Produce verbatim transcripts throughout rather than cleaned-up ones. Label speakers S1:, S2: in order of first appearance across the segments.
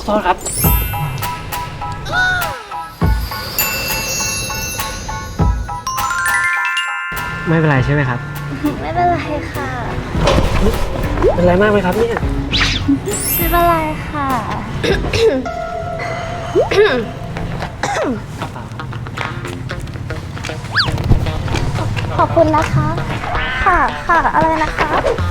S1: โทษครับไม่เป็นไรใช่ไหมครับ
S2: ไม่เป็นไรค่ะ
S1: เป็นไรมากไหมครับเนี่ย
S2: ไม่เป็นไรค่ะขอบคุณนะคะค่ะค่ะอะไรนะคะ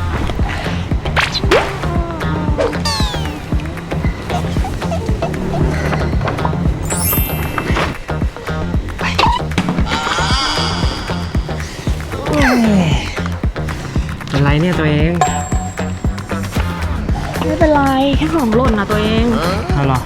S1: เป็นไรเนี่ยตัวเอง
S3: ไม่เป็นไรแค่ของหล่นนะตัวเอง
S1: เอาหรอ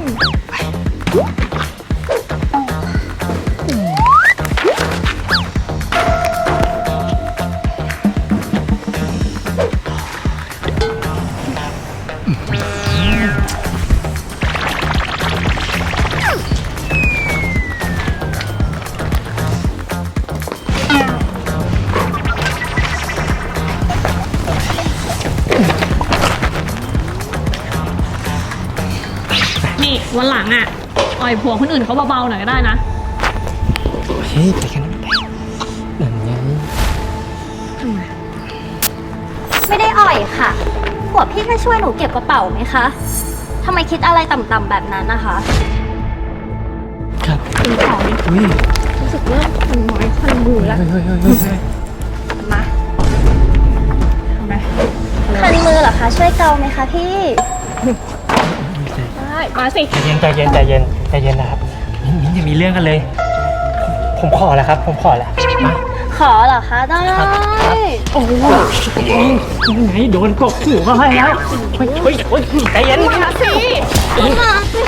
S3: นี่วันหลังอ่ะอ่อยผัวคนอื่นเขาเบาๆหน่อยก็ได้นะ
S1: เฮ้ยไปกันนั่นไง
S3: ทำไม
S2: ไม่ได้อ่อยค่ะผัวพี่แค่ช่วยหนูเก็บกระเป๋าไหมคะทำไมคิดอะไรต่ำๆแบบนั้นนะคะ
S1: ครับ
S3: เป็นของรู้สึกเริ่มคันไม้คันมือแล้วมาทำไม
S2: คันมือเหรอคะช่วยเกาไหมคะพี่
S3: ได้มาสิ
S1: ใจเย็นใจเย็นใจเย็นใจเย็นนะครับมิ้นมิ้นอย่ามีเรื่องกันเลยผมขอแล้วครับผมขอแล้วมา
S2: ขอเหรอคะได้
S1: โอ้โหยังไงโดนกบหูเขาให้แล้วเฮ้ยเฮ้ยเฮ้ยใจเย็น
S2: มาสิมาสิ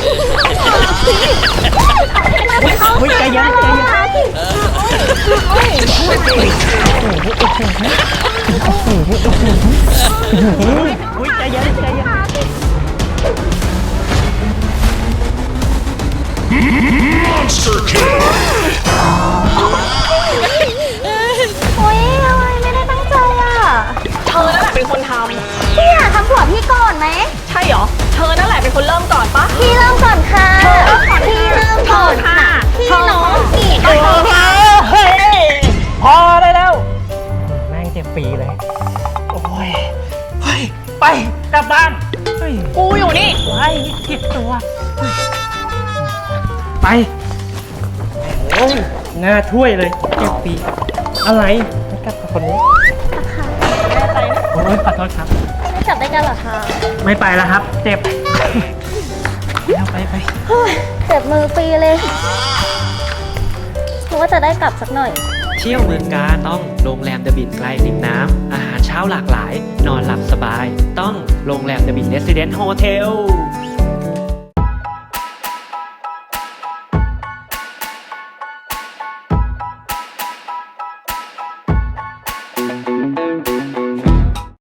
S1: เฮ้ยใจเย็นใจเย็นเฮ้ยใจเย็นใจเย็น
S2: Monster Kill โอ๊ยอะไรไม่ได้ตั้งใจอ่ะ
S3: เธอนั่นแหละเป็นคนทำ
S2: พี่อะทำผัวพี่ก่อนไหม
S3: ใช่เหรอเธอนั่นแหละเป็นคนเริ่มก่อนปะ
S2: พี่เริ่มก่อนค่ะพี่เริ่มก่อนค่ะพี่น้องอีก
S1: เฮ้ยพอได้แล้วแม่งเจ็บปีเลยโอ้ยเฮ้ยไปกลับบ้านเฮ้ย
S3: กูอยู่นี่
S1: ไปผิดตัวไปโอ้ยหน้าถ้วยเลยเจ็บปีอะไรไม่กลับกับคนนี้
S2: ค่ะ
S1: แน่ใจนะโอ้ยขอโทษครับ
S2: ไม่กลับได้กันเหรอคะ
S1: ไม่ไปแล้วครับเจ็บเอาไปไป
S2: เจ็บมือปีเลยคิดว่าจะได้กลับสักหน่อย
S4: เที่ยวเมืองกาญต้องโรงแรมเดอะบินใกล้ริมน้ำอาหารเช้าหลากหลายนอนหลับสบายต้องโรงแรมเดอะบินเรสซิเดนต์โฮเทล